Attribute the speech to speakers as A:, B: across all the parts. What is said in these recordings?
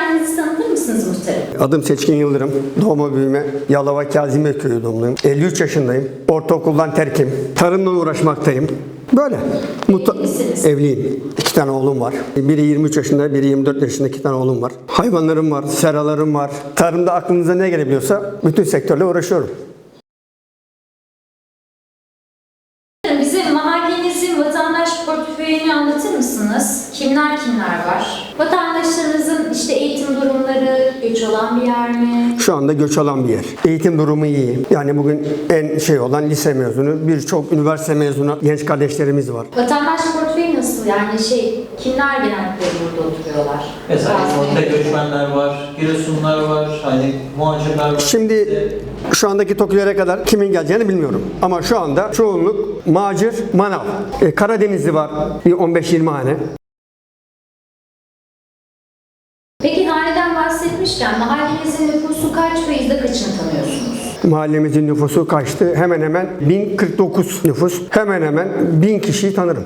A: kendinizi tanıtır mısınız muhtarım?
B: Adım Seçkin Yıldırım. Doğma büyüme Yalova Kazimiye Köyü doğumluyum. 53 yaşındayım. Ortaokuldan terkim. Tarımla uğraşmaktayım. Böyle.
A: Evlisiniz.
B: Evliyim. 2 tane oğlum var. Biri 23 yaşında, biri 24 yaşında 2 tane oğlum var. Hayvanlarım var, seralarım var. Tarımda aklınıza ne gelebiliyorsa bütün sektörle uğraşıyorum.
A: Bize mahallenizin vatandaş portföyünü anlatır mısınız? Kimler var? Vatandaşlarınızın işte eğitim durumları, göç olan bir yer mi?
B: Şu anda göç alan bir yer. Eğitim durumu iyi. Yani bugün en olan lise mezunu, birçok üniversite mezunu genç kardeşlerimiz var.
A: Vatandaş portföyü nasıl? Yani kimler genellikle burada oturuyorlar?
C: Mesela İzmir'de göçmenler var, Giresunlar var, hani muhacirler var.
B: Şimdi şu andaki TOKİ'lere kadar kimin geleceğini bilmiyorum. Ama şu anda çoğunluk macir, manav. Karadenizli var bir 15-20 hane.
A: Peki haneden bahsetmişken mahallenizin nüfusu kaç ve yüzde kaçını tanıyorsunuz?
B: Mahallemizin nüfusu kaçtı? Hemen hemen 1049 nüfus. Hemen hemen 1000 kişiyi tanırım.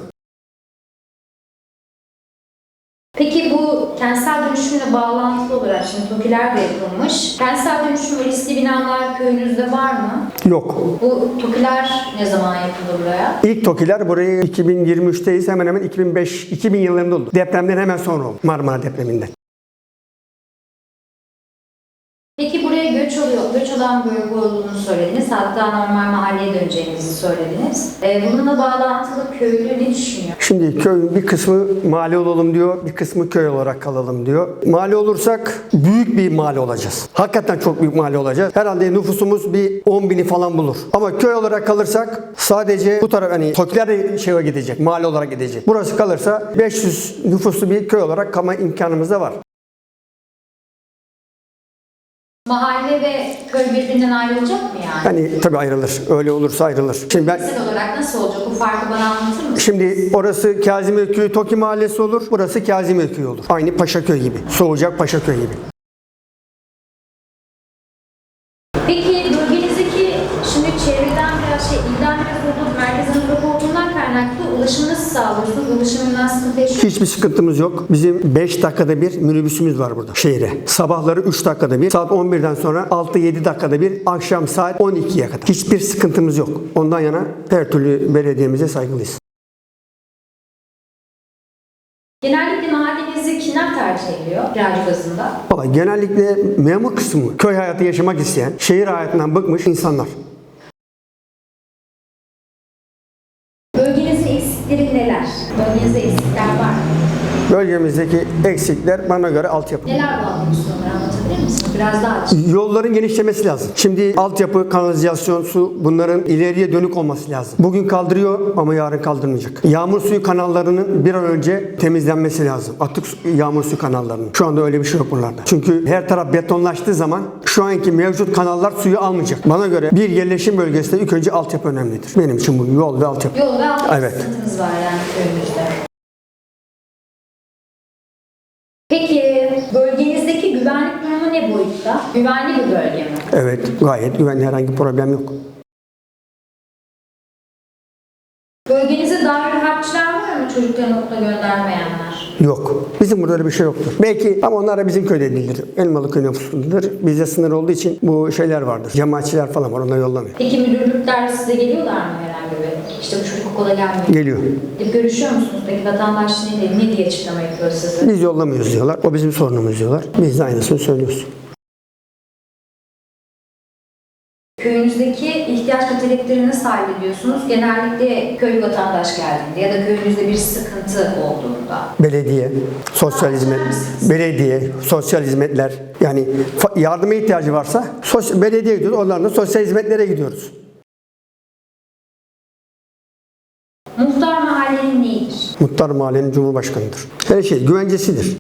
A: Peki bu kentsel dönüşümle bağlantılı olarak şimdi TOKİ'ler de yapılmış. Kentsel dönüşüm ve riskli binalar köyünüzde var mı?
B: Yok.
A: Bu TOKİ'ler ne zaman yapıldı buraya?
B: İlk TOKİ'ler burayı 2023'teyiz. Hemen hemen 2000 yıllarında oldu. Depremden hemen sonra oldu. Marmara depreminden.
A: Peki buraya göç olan bölge olduğunu söylediniz. Hatta normal mahalleye döneceğinizi söylediniz. Bununla bağlantılı köylü ne düşünüyor?
B: Şimdi köyün bir kısmı mahalle olalım diyor, bir kısmı köy olarak kalalım diyor. Mahalle olursak büyük bir mahalle olacağız. Hakikaten çok büyük mahalle olacağız. Herhalde nüfusumuz bir 10.000'i falan bulur. Ama köy olarak kalırsak sadece bu taraf hani TOKİ'ler de gidecek, mahalle olarak gidecek. Burası kalırsa 500 nüfuslu bir köy olarak kalma imkanımız da var.
A: Mahalle ve köy birbirinden ayrılacak mı yani?
B: Yani tabii ayrılır. Öyle olursa ayrılır. Şimdi
A: Fiziksel olarak nasıl olacak? Bu farkı bana anlatır mısınız?
B: Şimdi orası Kazimiye Köyü TOKİ Mahallesi olur. Burası Kazimiye Köyü olur. Aynı Paşaköy gibi. Soğucak Paşaköy gibi.
A: Peki bölgenizdeki şimdi çevreden biraz ilden biraz olduğu, merkezden uzak olduğundan kaynaklı ulaşımı nasıl sağlıyorsunuz? Ulaşımından sıkıntı yaşıyor musunuz?
B: Hiçbir sıkıntımız yok. Bizim 5 dakikada bir minibüsümüz var burada şehre. Sabahları 3 dakikada bir, saat 11'den sonra 6-7 dakikada bir, akşam saat 12'ye kadar. Hiçbir sıkıntımız yok. Ondan yana her türlü belediyemize saygılıyız.
A: Genellikle mahallenizi kimler tercih ediyor kiracı bazında?
B: Vallahi genellikle memur kısmı, köy hayatı yaşamak isteyen, şehir hayatından bıkmış insanlar.
A: Bölgenizde eksikleri neler? Bölgenizde eksikler var mı?
B: Bölgemizdeki eksikler bana göre altyapı.
A: Neler bağlıyorsunuz onları anlatabilir misiniz? Biraz daha açın.
B: Yolların genişlemesi lazım. Şimdi altyapı, kanalizasyon, su bunların ileriye dönük olması lazım. Bugün kaldırıyor ama yarın kaldırmayacak. Yağmur suyu kanallarının bir an önce temizlenmesi lazım. Atık yağmur suyu kanallarının. Şu anda öyle bir şey yok buralarda. Çünkü her taraf betonlaştığı zaman şu anki mevcut kanallar suyu almayacak. Bana göre bir yerleşim bölgesinde ilk önce altyapı önemlidir. Benim için bu yol ve altyapı.
A: Yol ve altyapı
B: Evet.
A: sıkıntınız var yani köyümüzde. Peki bölgenizdeki güvenlik durumu ne boyutta? Güvenli bir bölge mi?
B: Evet, gayet güvenli, herhangi bir problem yok.
A: Bölgenizde dair harçlar var mı çocuklarını okula göndermeyenler?
B: Yok. Bizim burada öyle bir şey yoktur. Belki ama onlar da bizim köyde değildir. Elmalı köy nüfusundadır. Bizde sınır olduğu için bu şeyler vardır. Cemaatçiler falan var. Onlar yollamıyor.
A: Peki müdürlükler size geliyorlar mı herhangi bir? İşte bu çocuk okula gelmiyor.
B: Geliyor.
A: Gidip görüşüyor musunuz? Peki vatandaş ne diye açıklama yapıyor size?
B: Biz yollamıyoruz diyorlar. O bizim sorunumuz diyorlar. Biz de aynısını söylüyoruz.
A: Köyünüzdeki ihtiyaç ve talepleri nasıl hallediyorsunuz? Genellikle köy vatandaş geldiğinde ya da köyünüzde bir sıkıntı olduğunda.
B: Belediye, sosyal hizmet, belediye, sosyal hizmetler. Yani yardıma ihtiyacı varsa belediyeye gidiyoruz. Onlarla sosyal hizmetlere gidiyoruz.
A: Muhtar mahallenin neyidir?
B: Muhtar mahallenin cumhurbaşkanıdır. Her şey güvencesidir.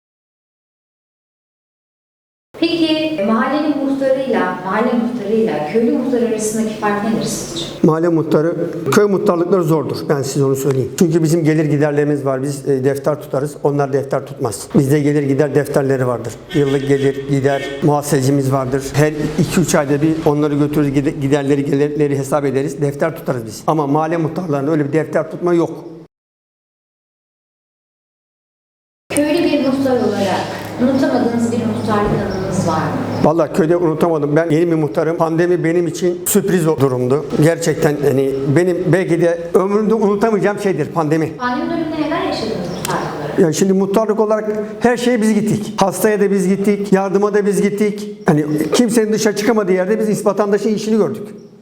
A: Peki mahalle muhtarıyla köylü muhtarı arasındaki fark nedir sizce?
B: Mahalle muhtarı, köy muhtarlıkları zordur. Ben size onu söyleyeyim. Çünkü bizim gelir giderlerimiz var. Biz defter tutarız. Onlar defter tutmaz. Bizde gelir gider defterleri vardır. Yıllık gelir gider muhasebecimiz vardır. Her 2-3 ayda bir onları götürürüz. Giderleri gelirleri hesap ederiz. Defter tutarız biz. Ama mahalle muhtarlarında öyle bir defter tutma yok.
A: Köylü bir muhtar olarak Unutamadığınız bir muhtarlık anınız var mı?
B: Vallahi köyde unutamadım. Ben yeni bir muhtarım. Pandemi benim için sürpriz o durumdu. Gerçekten hani benim belki de ömrümde unutamayacağım şeydir pandemi.
A: Pandemi döneminde neler yaşadınız muhtarlık olarak?
B: Yani şimdi muhtarlık olarak her şeye biz gittik. Hastaya da biz gittik, yardıma da biz gittik. Hani kimsenin dışarı çıkamadığı yerde biz vatandaşın işini gördük.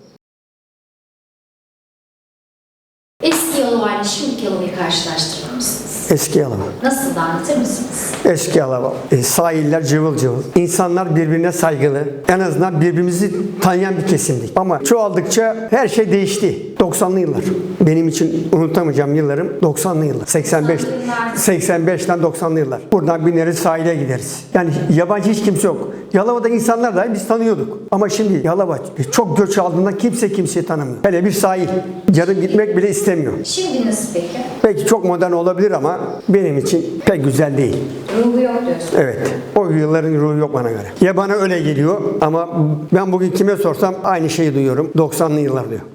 A: Eski Yalova ile şimdiki Yalova'yı karşılaştırır mısınız?
B: Eski Yalova.
A: Nasıl da anlatır mısınız?
B: Eski Yalova. Sahiller cıvıl cıvıl. İnsanlar birbirine saygılı. En azından birbirimizi tanıyan bir kesimdik. Ama çoğaldıkça her şey değişti. 90'lı yıllar. Benim için unutamayacağım yıllarım 90'lı yıllar. 85'ten 90'lı yıllar. Buradan bineriz sahile gideriz. Yani yabancı hiç kimse yok. Yalova'da insanlar dahi biz tanıyorduk. Ama şimdi Yalova çok göç aldığında kimse kimseyi tanımıyor. Hele bir sahil. Yarın gitmek bile istemiyor.
A: Şimdi nasıl peki?
B: Belki çok modern olabilir ama benim için pek güzel değil.
A: Ruhu yok diyorsun.
B: Evet. O yılların ruhu yok bana göre. Ya bana öyle geliyor ama ben bugün kime sorsam aynı şeyi duyuyorum. 90'lı yıllar diyor.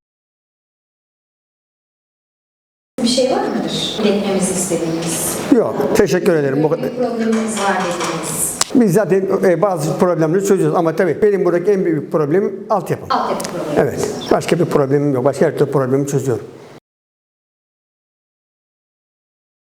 A: Bir şey var mıdır? İletmemizi istediğiniz.
B: Yok. Teşekkür ederim. Bu
A: Böyle
B: kadar.
A: bir problemimiz var dediğiniz.
B: Biz zaten bazı problemleri çözüyoruz ama tabii benim buradaki en büyük problemim altyapı.
A: Altyapı problemi.
B: Evet. Başka bir problemim yok. Başka her türlü problemi çözüyorum.